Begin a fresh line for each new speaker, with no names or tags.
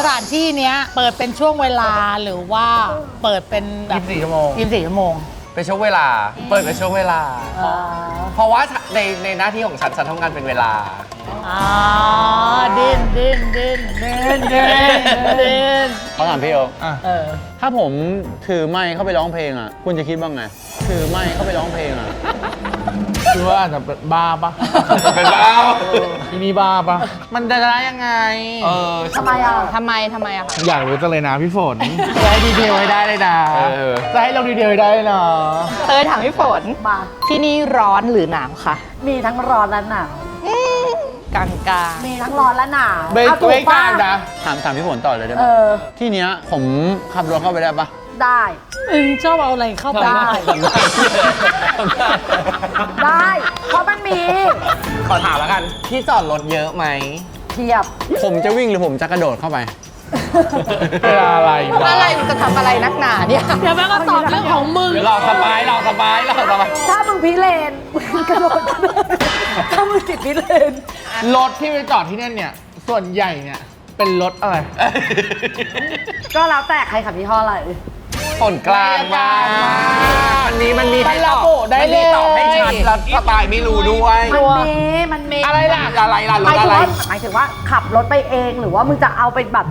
ถานที่เนี้ยเปิดเป็นช่วงเวลาหรือว่าเปิดเป็นแบบ
24 ชั่วโมง
24 ชั่วโมง
เป็นช่วงเวลา เปิดเป็นช่วงเวลา เพราะว่าในหน้าที่ของฉันทำงานเป็นเวลา
อ๋อดิ้น
เขาถามพี่โอ
เออ
ถ้าผมถือไมค์เข้าไปร้องเพลงอ่ะ คุณจะคิดว่าไง ถือไมค์เข้าไปร้องเพลงอ่ะ
คือว่าอาจจะเป็นบ้าปะ
เป็นบ้า
ที่นี่บ้าปะมันจะได้ยังไง
ทำไมอ่ะ
ทำไมอะคะ
อยากรู้จังเลยนะพี่ฝน จะให้ดีเทลให้ได้เลยนะ จะให้ลงดีเทลให้ได้เลยนะ
ถามพี่ฝน
มา
ที่นี่ร้อนหรือหนาวคะ
มีทั้งร้อนและหนาว
กลาง
มีทั้งร้อนและหนาว
เบรก
เอาถู
เบร
ก
ก
ป้ะ
กลางนะ
ถามพี่ฝนต่อเลยได้ไหม
เออ
ที่เนี้ยผมขับรถเข้าไปได้ปะ
ได้
ชอบเอาอะไรเข้าไป
ได้ ได้ เพราะมันมี
ขอถามแล้วกัน ที่จอดรถเยอะไหม
เทียบ
ผมจะวิ่งหรือผมจะกระโดดเข้าไป
เป็นอะไร
ๆ
วะ
อะไรจะทำอะไรนักหนาเนี่ย
เดี๋ยวแม่ก็ตอบเรื่องของมึง
เดี๋ยวเราสบาย
ถ้ามึงพิเรนมึงกระโดดถ้ามึงติดพิเรน
รถที่ไปจอดที่นั่นเนี่ย ส่วนใหญ่เนี่ย เป็นรถอะไร
ก็แล้วแต่ใครขับยี่ห้ออะไร
ฝนกลางมากมันมีให้ตอบ
มันระบุได้เลย
มันมีตอบให้ชัดแล้วสปายไม่รู้ด้วย
มันมี
อะไรล่ะรถอะไร
หมายถึงว่าขับรถไปเองหรือว่ามึงจะเอาไปแบบ